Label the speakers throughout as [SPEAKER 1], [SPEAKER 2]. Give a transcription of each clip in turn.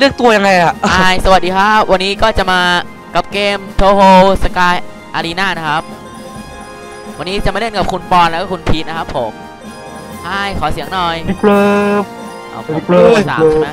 [SPEAKER 1] ลือกตัวยังไงอะ
[SPEAKER 2] สวัสดีครับวันนี้ก็จะมากับเกมโทโฮสกายอารีนานะครับวันนี้จะมาเล่นกับคุณปอนแล้วก็คุณพีทนะครับผมขอเสียงหน่อย
[SPEAKER 1] ครับ
[SPEAKER 2] เอาผมเบอร์3ใช่ไหม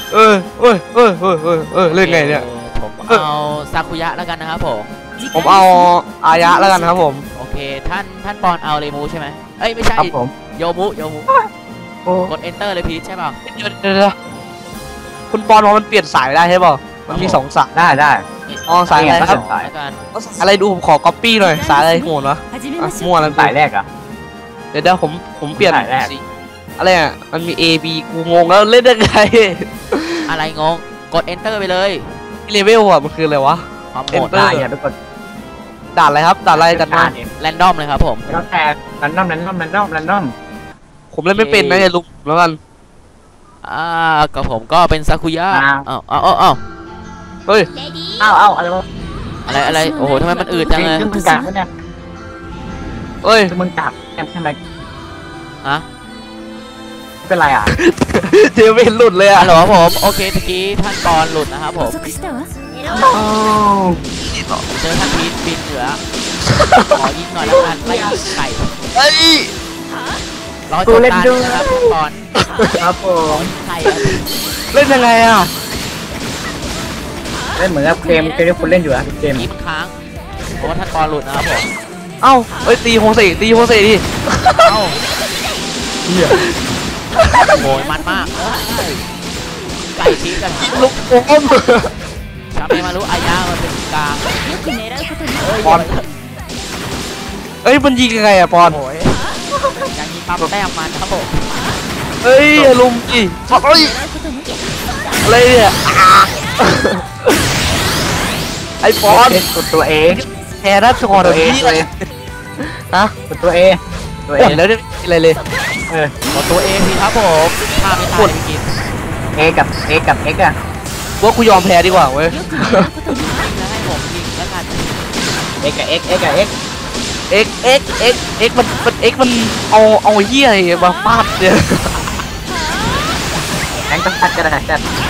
[SPEAKER 1] เล่นไงเนี่ย
[SPEAKER 2] ผมเอาซากุยะแล้วกันนะครับ
[SPEAKER 1] ผมเอาอายะแล้วกันครับผม
[SPEAKER 2] โอเคท่านปอนเอาเรมูใช่ไหมเอ้ยไม่ใช่โยมุกด enter เลยพีทใช่ป่ะ
[SPEAKER 1] เดี๋ยวคุณปอนว่ามันเปลี่ยนสายได้ใช่ป่ะมันมี2สาย
[SPEAKER 3] ได้
[SPEAKER 1] สายอะไรครับ
[SPEAKER 2] สายกัน
[SPEAKER 1] อะไรดูผมขอ copy หน่อยสายอะไรโหดวะมั่วแล้ว
[SPEAKER 3] สายแรกอะ
[SPEAKER 1] เดี๋ยวผมเปลี่ยนอะไรอ่ะมันมี A B กูงงแล้วเล่นได้ไง
[SPEAKER 2] อะไรงงกด enter ไปเลย
[SPEAKER 1] เลเวลอ่ะมันคืออะไรวะ
[SPEAKER 2] ความโหด
[SPEAKER 3] ได้อย่าไปกด
[SPEAKER 1] ด่านอะไรครับด่านอะไรกันมา
[SPEAKER 2] แรนดอมเลยครับผม
[SPEAKER 3] แล้วแต่แรนดอม
[SPEAKER 1] ผมเล่นไม่เป็นนะอย่าลุกแล้วกัน
[SPEAKER 2] กับผมก็เป็นซากุยะเฮ้ยอะไรโอ้โหทำไมมันอืดจังเลย
[SPEAKER 3] มึงกัดเนี่ย
[SPEAKER 1] เฮ้ย
[SPEAKER 3] มึงกัดใช่ไหมเป็นไรอ่ะ
[SPEAKER 1] เจเวนหลุดเลยอ่ะ
[SPEAKER 2] ฮัลโหลผมโอเคตะกี้ท่านปอนหลุดนะครับผมเจอท่านพีทบินเหนือขอยิงหน่อยแล้วกันไล่ไก่รอจบการนะครับท่านปอน
[SPEAKER 3] ครับผม
[SPEAKER 2] ไก่
[SPEAKER 1] เล่นยังไงอ่ะ
[SPEAKER 3] เล่นเหมือนกับเกมที่คุณเล่นอยู่อะเกม
[SPEAKER 2] ยิงค้างเพราะว่าท่านปอนหลุดนะครับผม
[SPEAKER 1] ตีโฮเซ่ดิ
[SPEAKER 2] โอ้ยมันมากไก่ทีกัน
[SPEAKER 1] ลูกอม
[SPEAKER 2] ชาเมมารู้อายามันเป็นกลาง
[SPEAKER 1] ปอนมันยิงยังไงอะปอน
[SPEAKER 2] อย่างนี้ปั๊มแต้มมันครับผม
[SPEAKER 1] ลุมดิอะไรเนี่ยไอปอน
[SPEAKER 3] กดตัวเอง
[SPEAKER 1] แพ้ได้ตัวเอง
[SPEAKER 3] กดตัวเอ
[SPEAKER 1] แล้วได้อะไรเลย
[SPEAKER 2] กดตัวเองสิครับผมพาไม่ตายไปกิน
[SPEAKER 3] เอกับอะ
[SPEAKER 1] ว่ากูยอมแพ้ดีกว่าเว้ย
[SPEAKER 2] แล้วให้ผมยิงแล้วกัน
[SPEAKER 3] เอกับ
[SPEAKER 1] มันเอาเหี้ยอะไรมาฟาดเนี่ย
[SPEAKER 3] แองต้องพัดกันนะ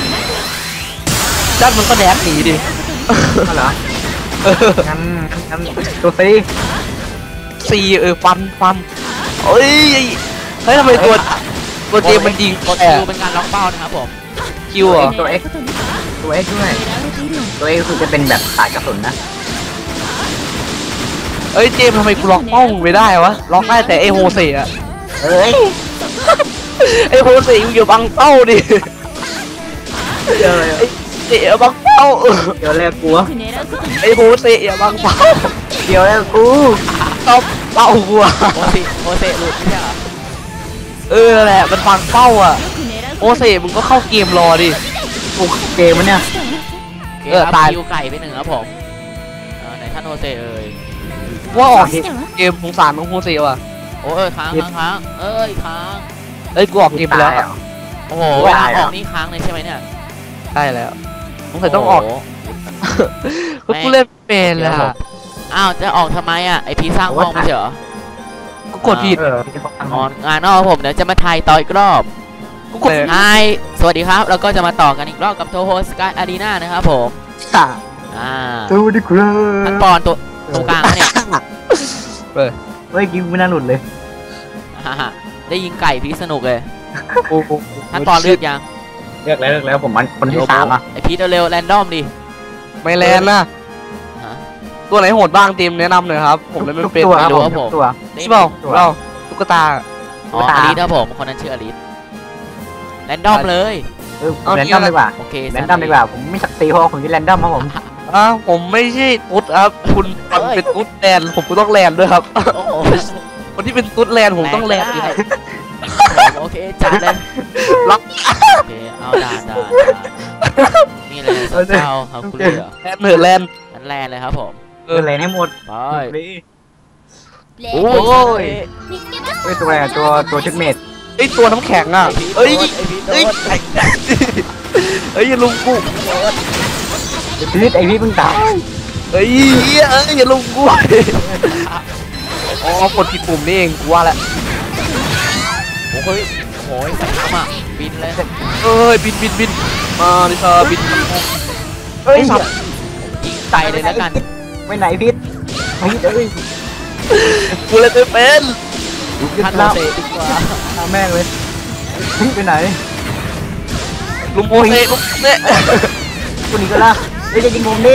[SPEAKER 1] จัดมันก็แดกหนีดิ
[SPEAKER 3] เหรองั้นตัวซี
[SPEAKER 1] ฟันเฮ้ยทำไมตัวเจมันยิง
[SPEAKER 2] กดคิวเป็นการล็อกเป้านะครับผม
[SPEAKER 1] คิวอ่ะ
[SPEAKER 3] ตัวเอ็กด้วยตัวเอ็กคือจะเป็นแบบสายกระสุนนะ
[SPEAKER 1] เจมทำไมกูล็อกเป้าไม่ได้วะล็อกได้แต่ไอโฮเซ่อะไอโฮเซ่อยู่บังเป้าดิเจบังเป้า
[SPEAKER 3] เดี๋ยวแรกกู
[SPEAKER 1] ไอโฮเซ่อย่าบังเป้า
[SPEAKER 3] เดี๋ยวแรกกู
[SPEAKER 1] ต้องเป้ากู
[SPEAKER 2] โฮเซ่หลุดไม่ใช่
[SPEAKER 1] เหรอแหละมันบังเป้าอ่ะโฮเซ่มึงก็เข้าเกมรอดิ
[SPEAKER 3] เกมมันเนี่ย
[SPEAKER 2] ตายคิวไก่ไป1ครับผมไหนท่านโฮเซ่
[SPEAKER 1] ว่าออกเกมสงสารน้องโฮเซ่ว่ะ
[SPEAKER 2] โอ้ค้างค้าง
[SPEAKER 1] กูออกเกมไปแล้ว
[SPEAKER 2] โอ้โหออกนี่ค้างเลยใช่ไหมเนี่ย
[SPEAKER 1] ได้แล้วต้องออกกูเล่นเป็นแล้ว
[SPEAKER 2] จะออกทำไมอ่ะไอพีสร้างห้องไม่ใช่เหรอ
[SPEAKER 1] กูกดผิด
[SPEAKER 2] งานนอกผมเดี๋ยวจะมาถ่ายต่ออีกรอบสวัสดีครับแล้วก็จะมาต่อกันอีกรอบกับโทโฮสกายอารีนานะครับผม
[SPEAKER 3] สวัสดีครับ
[SPEAKER 2] ท่านปอนตัวกลางเนี่ย
[SPEAKER 3] เฮ้ยกิ้งไม่น่าหลุดเลย
[SPEAKER 2] ได้ยิงไก่พีสนุกเลยท่านปอนเลือกยัง
[SPEAKER 3] เลือกแล้วผมมันคนที่3อ่ะ
[SPEAKER 2] ไอพีเร็วแรนดอมดิ
[SPEAKER 1] ไม่แรนนะตัวไหนโหดบ้างทีมแนะนำหน่อยครับผมเลยไม่เป็น
[SPEAKER 2] ไม่รู้ครับผม
[SPEAKER 1] นี่เปล่าเราตุ๊กตา
[SPEAKER 2] อลิสครับผมคนนั้นชื่ออลิสแรนดอมเลย
[SPEAKER 3] แรนดอมดีกว่าโอเคแรนดอมดีกว่าผมไม่สักตีเพราะผมจะแรนดอมครับผม
[SPEAKER 1] ผมไม่ใช่ตุ๊ดครับคุณเป็นตุ๊ดแลนผมก็ต้องแลนด้วยครับคนที่เป็นตุ๊ดแลนผมต้องแลน
[SPEAKER 2] โอเคจัดเลย
[SPEAKER 1] ล็อก
[SPEAKER 2] โอเคเอาด่านี่เลยเจ้าครับคุณเหลือ
[SPEAKER 1] แลน
[SPEAKER 2] เลยครับผม
[SPEAKER 3] แลนให้หมด
[SPEAKER 2] ไป
[SPEAKER 1] โอ้ย
[SPEAKER 3] ตัวอะไรตัวชุดเมด
[SPEAKER 1] ตัวน้ำแข็งอ่ะอย่าลุงกู
[SPEAKER 3] ไอพี่เพิ่งตาย
[SPEAKER 1] อย่าลุงกูกดผิดปุ่มนี่เองกูว่าแหละ
[SPEAKER 2] โอ้ยใส่น้ำอ่ะบินเลย
[SPEAKER 1] เอ้ยบินมาดิค่ะบิน
[SPEAKER 3] เฮ้ย
[SPEAKER 2] ยิงไกลเลยแล้วกัน
[SPEAKER 3] ไปไหนพิษพิษเอ้ย
[SPEAKER 1] กูเลยไม่เป็น
[SPEAKER 2] ท่านโมเสดีกว่า
[SPEAKER 3] ตามแม่งเลยพิษไปไหน
[SPEAKER 1] ลุงโมเสลุงเซ่
[SPEAKER 3] กูหนีก็ล่ะเฮ้ยจะยิงผมดิ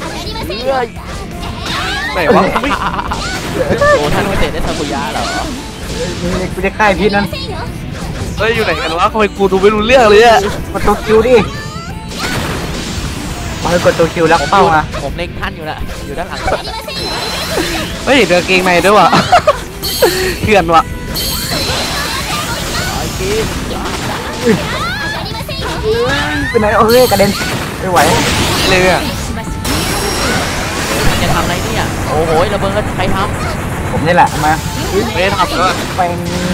[SPEAKER 1] ไหนวะไม่
[SPEAKER 2] โอ้ท่านโมเสได้ซากุยะเหรอ
[SPEAKER 3] กูจะฆ่าพิษนั้น
[SPEAKER 1] เฮ้ยอยู่ไหนกันวะทำไมกูดูไม่รู้เรื่องเลยอะ
[SPEAKER 3] กดตัวคิวดิมากดตัวคิวแล้วเป้ามา
[SPEAKER 2] ผมเล็งท่านอยู่นะอยู่ด้านหลังท่านอะ
[SPEAKER 1] เฮ้ยเดือกางเกงในด้วยวะเถื่อนวะ
[SPEAKER 2] ไอ้กิน
[SPEAKER 3] ไปไหนเอ้ยกระเด็นไม่ไหว
[SPEAKER 1] เลยอะ
[SPEAKER 2] จะทำอะไรเนี่ยโอ้โหระเบิดใครท
[SPEAKER 3] ผมนี่แหละมา
[SPEAKER 1] ไม่ได้ทำเลย
[SPEAKER 3] เป็น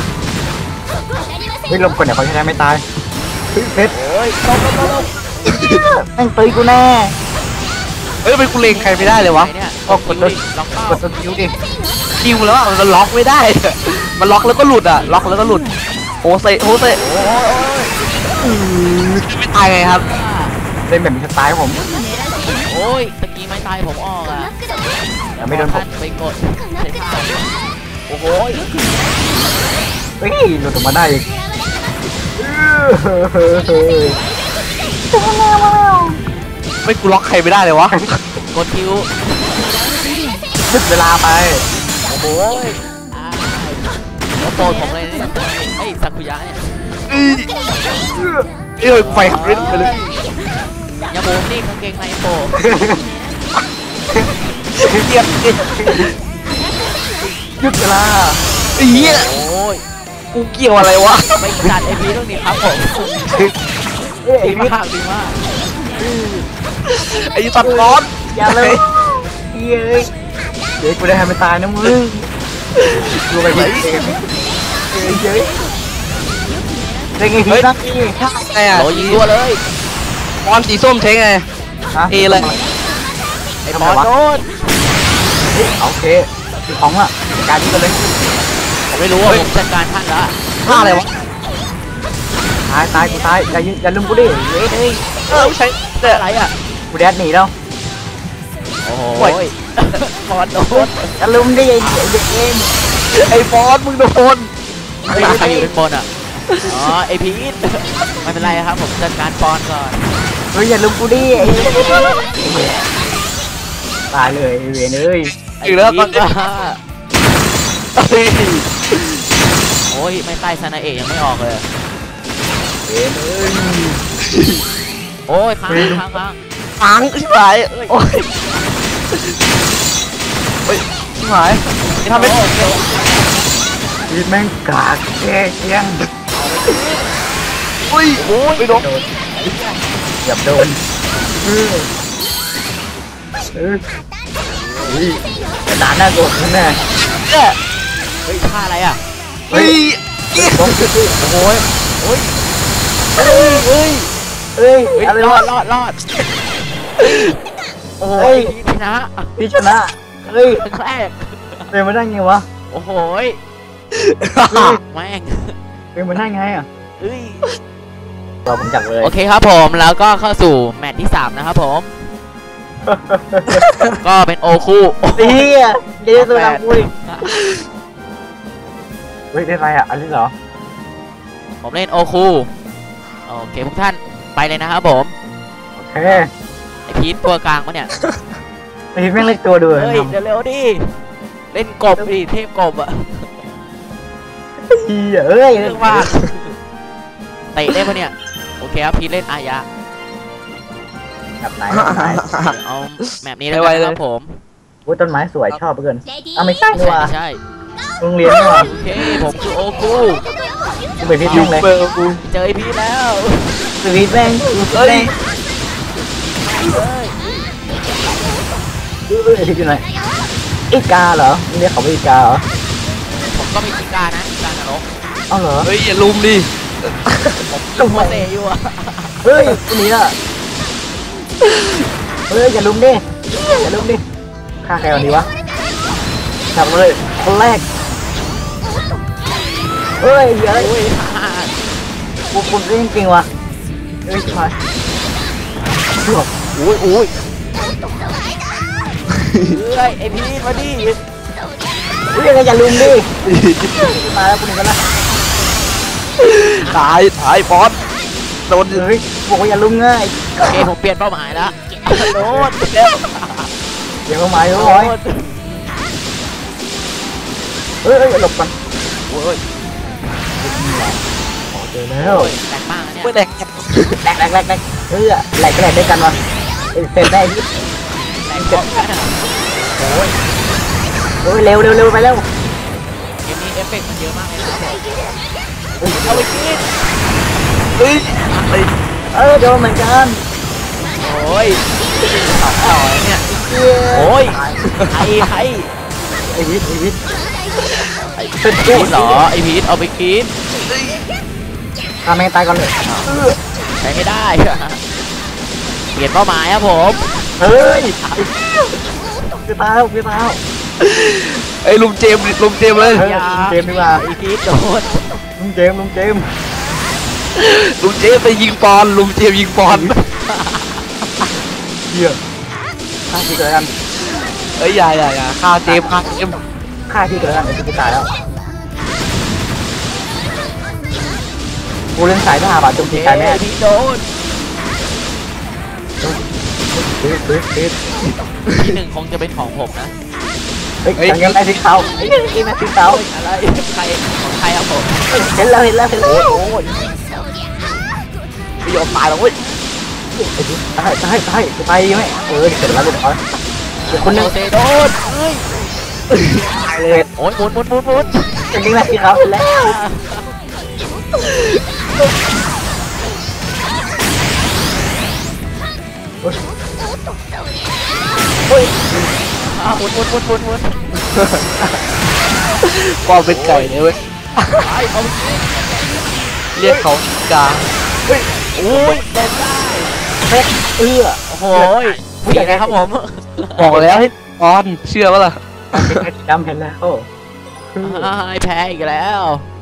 [SPEAKER 3] เฮ้ยลมกดเดี๋ยวเขาจะได้ไม่ตายเฮ้ยเพชร
[SPEAKER 2] ำโอ้ยลง
[SPEAKER 3] แม่งตีกูแน่
[SPEAKER 1] เฮ้ยทำไมกูเลงใครไม่ได้เลยวะ
[SPEAKER 2] ไหนเนี่ย
[SPEAKER 3] ก็กดตัว
[SPEAKER 2] ล็อกเป้าก
[SPEAKER 3] ดตัวคิวดิ
[SPEAKER 1] คิวแล้วอะมันล็อกไม่ได้ มันล็อกแล้วก็หลุดอะล็อกแล้วก็หลุดโฮเซไม่ตายไงครับ
[SPEAKER 3] เล่นแบบมีสไตล์ผม
[SPEAKER 2] โอ้ยตะกี้ไม่ตายผมออกอ่ะ
[SPEAKER 3] แต่ไม่โดนผ
[SPEAKER 2] ท่าม นไปกดใช้ท่าโอ้โห
[SPEAKER 3] เฮ้ยหลุดออกมาได้อีก
[SPEAKER 1] ไม่กูล็อกใครไม่ได้เลยวะ
[SPEAKER 2] กดคิว
[SPEAKER 3] ยึดเวลาไป
[SPEAKER 2] โอ้โหแล้วโปรดผมเลยเนี่ยไอ้ซากุยะเนี่ย
[SPEAKER 1] เอ้ยไฟหักไปเลย
[SPEAKER 2] อย่าโบมนี่กางเกงในโป
[SPEAKER 1] เกียด
[SPEAKER 3] ยึดเวลา
[SPEAKER 1] เหี้ย
[SPEAKER 2] โอ้ย
[SPEAKER 1] กูเกี่ยวอะไรวะ
[SPEAKER 2] ไม่จัดไอพีตรงนี้ครับผม
[SPEAKER 3] เฮ้ย
[SPEAKER 2] ดี
[SPEAKER 3] มิด
[SPEAKER 2] มากดีมาก
[SPEAKER 1] ไอ้ตัดร้อน
[SPEAKER 3] อย่าเลยเฮ้ยเดี๋ยวกูได้ทำมันตายนะมึงดูไปพิษเฮ้ยเล่นไงพิษนะพี่
[SPEAKER 1] ไงอะ
[SPEAKER 2] โอ้ยิงตัวเลย
[SPEAKER 1] บอลสีส้มใช้ไง เอเลย
[SPEAKER 2] ไอ้บอลโดน
[SPEAKER 3] โอเคของอ่ะการที่กันเลย
[SPEAKER 2] ผมไม่รู้ว่าผมจัดการท่านละ
[SPEAKER 1] ท่าอะไรวะ
[SPEAKER 3] ตายกูตายอย่าลืมกูดิเฮ้ย
[SPEAKER 1] ใช้แต่
[SPEAKER 2] อะไรอ่ะ
[SPEAKER 3] กูแดดหนีแล้ว
[SPEAKER 2] โอ้โห
[SPEAKER 1] โอ้ย
[SPEAKER 2] บอลโดน
[SPEAKER 3] อย่าลืมดิเด็กเอง
[SPEAKER 1] ไอ้บอลมึงโดน
[SPEAKER 2] ใครอยู่ด้านบนอ่ะอ๋อไอพีทไม่เป็นไรครับผมจัดการบอลก่อน
[SPEAKER 3] เฮ้ยอย่าลืมกูดิตายเลยเวนเอ้ย
[SPEAKER 1] อยู่แล้ว
[SPEAKER 2] ไพี
[SPEAKER 1] ก็
[SPEAKER 2] ทโอ้ยไม่ใต้ซานาเอะยังไม่ออกเลย
[SPEAKER 3] เวนเอ้ย
[SPEAKER 2] โอ้ยค้าง
[SPEAKER 1] ค้างชิบหายโอ้ยเฮ้ยชิบหายนี่ทำไม่ถูก
[SPEAKER 3] ชีวิตแม่งกากแก่เกี้ยง
[SPEAKER 1] อุ้ยโอ้ยไม่โดน
[SPEAKER 3] โดนอย่าโดนกระดานหน้าโกรธแน่
[SPEAKER 1] เนี่ย
[SPEAKER 2] เฮ้ยท่าอะไรอ่ะ
[SPEAKER 1] เฮ้ย
[SPEAKER 3] โอ้โห
[SPEAKER 2] โอ้ย
[SPEAKER 3] เฮ้ยอะไร
[SPEAKER 2] รอ
[SPEAKER 3] วะ
[SPEAKER 2] ดโอ้
[SPEAKER 3] เฮ้
[SPEAKER 2] ย
[SPEAKER 3] ย
[SPEAKER 2] ชนะ
[SPEAKER 3] พี่ชนะเฮ้ย
[SPEAKER 2] ครั้งแรก
[SPEAKER 3] เป็นมาได้ไงวะ
[SPEAKER 2] โอ้โหแม่ง
[SPEAKER 3] เป็นมาได้ไงอ่ะ
[SPEAKER 2] เอ้ย
[SPEAKER 3] รอผมจับเลย
[SPEAKER 2] โอเคครับผมแล้วก็เข้าสู่แมตช์ที่3นะครับผมก็เป็นโอคู่
[SPEAKER 3] เฮียเดี๋ยวตัวนักมวยเฮ้ยได้ไรอ่ะอันนี้เหรอ
[SPEAKER 2] ผมเล่นโอคู่โอเคพวกท่านไปเลยนะครับผม
[SPEAKER 3] โอเค
[SPEAKER 2] ไอพีทตัวกลางปะเนี่ย
[SPEAKER 3] ไอ้แม่งเล็กตัวดู
[SPEAKER 2] เฮ้ยเร็วๆดิเล่นกบดิเทพกบอะ
[SPEAKER 3] เฮียเอ้ย
[SPEAKER 2] เรื่องมากเตะได้ปะเนี่ยโอเคครับพีทเล่นอายะ
[SPEAKER 3] แบบไหน
[SPEAKER 2] เอาแมปนี้แล้วกันนะครับผม
[SPEAKER 3] โอ้ต้นไม้สวยชอบเกินอ่ะไม่ใช่
[SPEAKER 2] ไม่
[SPEAKER 3] ดีกว่า
[SPEAKER 2] ใช่
[SPEAKER 3] โรงเรียนดีกว่า
[SPEAKER 2] โอเคผมคือโอคู
[SPEAKER 3] กูไปพิษ
[SPEAKER 1] ยู
[SPEAKER 3] แม่งเลย
[SPEAKER 1] เบอร์กู
[SPEAKER 2] เจอไอพีแล้ว
[SPEAKER 3] กูพิษแม่ง
[SPEAKER 1] เฮ้ย
[SPEAKER 2] เฮ้ย
[SPEAKER 3] อยู่ไหนอีกาเหรอเรียกเขาว่าอีกาเหรอ
[SPEAKER 2] ผมก็มีกีการนะกีการนรก
[SPEAKER 3] เอ้าเหรอ
[SPEAKER 1] เฮ้ยอย่าลุมดิ
[SPEAKER 2] ผมลูกโมเตอยู่อะ
[SPEAKER 3] เฮ้ยคนนี้ล่ะเฮ้ยอย่าลุมดิอย่าลุมดิฆ่าใครวันนี้วะจับเลยคนแรกเฮ้ยเยอะ
[SPEAKER 2] โอ้ย
[SPEAKER 3] คุณเล่นจริงวะเอ้ยมาโอ้ย
[SPEAKER 2] เฮ้ยไอพีทมาดิ
[SPEAKER 3] อุ้ยยังไงอย่าลืมดิมาแล้วคุณกันละ
[SPEAKER 1] ตายบอสโดน
[SPEAKER 3] เฮ้ยบอกว่าอย่าลืมง่าย
[SPEAKER 2] โอเคผมเปลี่ยนเป้าหมายแล้วโดนแล้ว
[SPEAKER 3] เดี๋ยวมาอยู่ร้อยเฮ้ยหลบกัน
[SPEAKER 2] โอ้ย
[SPEAKER 3] เจอแล้ว
[SPEAKER 2] แตกมากเนี่ย
[SPEAKER 1] ไม่แหลก
[SPEAKER 3] แหลกเฮ้ยแหลกด้วยกันวะเสร็จได้ที่
[SPEAKER 2] แตกก่อนกัน
[SPEAKER 3] โอ้ยเร็วไปแล้ว
[SPEAKER 2] เกมนี้เอฟเฟกต์มันเยอะมากเลยนะครับผม
[SPEAKER 3] เอาไปกิน
[SPEAKER 1] เฮ้ยไอ้
[SPEAKER 3] โดนเหมือนกัน
[SPEAKER 2] โอ้ยต่อเนี่ย
[SPEAKER 3] โอ้ย
[SPEAKER 2] ไอ้
[SPEAKER 3] วิทย์
[SPEAKER 2] เป็นพีทเหรอไอพีทเอาไปกิน
[SPEAKER 3] ทำแม่งตายก่อนเลย
[SPEAKER 2] ใช้ไม่ได้เปลี่ยนเป้าหมายครับผม
[SPEAKER 3] เฮ้ยคือตายแล้ว
[SPEAKER 1] ไอ้ลุงเจมส์เลย
[SPEAKER 3] เจมดีกว่า
[SPEAKER 2] ไอพีทโดน
[SPEAKER 3] ลุงเจม
[SPEAKER 1] ลุงเจมส์ไปยิงปอนลุงเจมส์ยิงปอน
[SPEAKER 3] เหี้ยฆ่าที่เกิดกัน
[SPEAKER 1] เอ้ยอย่าฆ่าเจมส์
[SPEAKER 3] ฆ่าที่เกิดกันเดี๋ยวจะตายแล้วกูเล่นสายทหารบาดจมตีกายแม่
[SPEAKER 2] พีทโดน ที่หนึ่งคงจะเป็นของผมนะ
[SPEAKER 3] เฮ้ยยังไงสีขาวไอ้แม่สีขาว
[SPEAKER 2] อะไรใครของใครครับผม
[SPEAKER 3] เห็นแล้วโอ้ย
[SPEAKER 1] ไม่ยอมตายหรอกเว้ย
[SPEAKER 3] ตายไหมเสร็จแล้วลูกเขาเดี๋ยวคนนึง
[SPEAKER 2] โอเซโดนเฮ้ย
[SPEAKER 3] ตายเลย
[SPEAKER 2] โอ้ยหมุน
[SPEAKER 3] เป็นยังไงสีขาวเสร็จแล้วเฮ้ย
[SPEAKER 2] หมุน
[SPEAKER 1] ปอนเป็นไก่เลยเว้ย
[SPEAKER 2] ไอ้เอา
[SPEAKER 1] เรียกเขากา
[SPEAKER 2] โอ้ยเล่นได้
[SPEAKER 3] เฮ้ย
[SPEAKER 2] โอ้โหผู้ใหญ่ครับผม
[SPEAKER 1] บอกแล้วให้ปอนเชื่อปะล่ะ
[SPEAKER 3] จำเห็นแล้ว
[SPEAKER 2] แพ้อีกแล้ว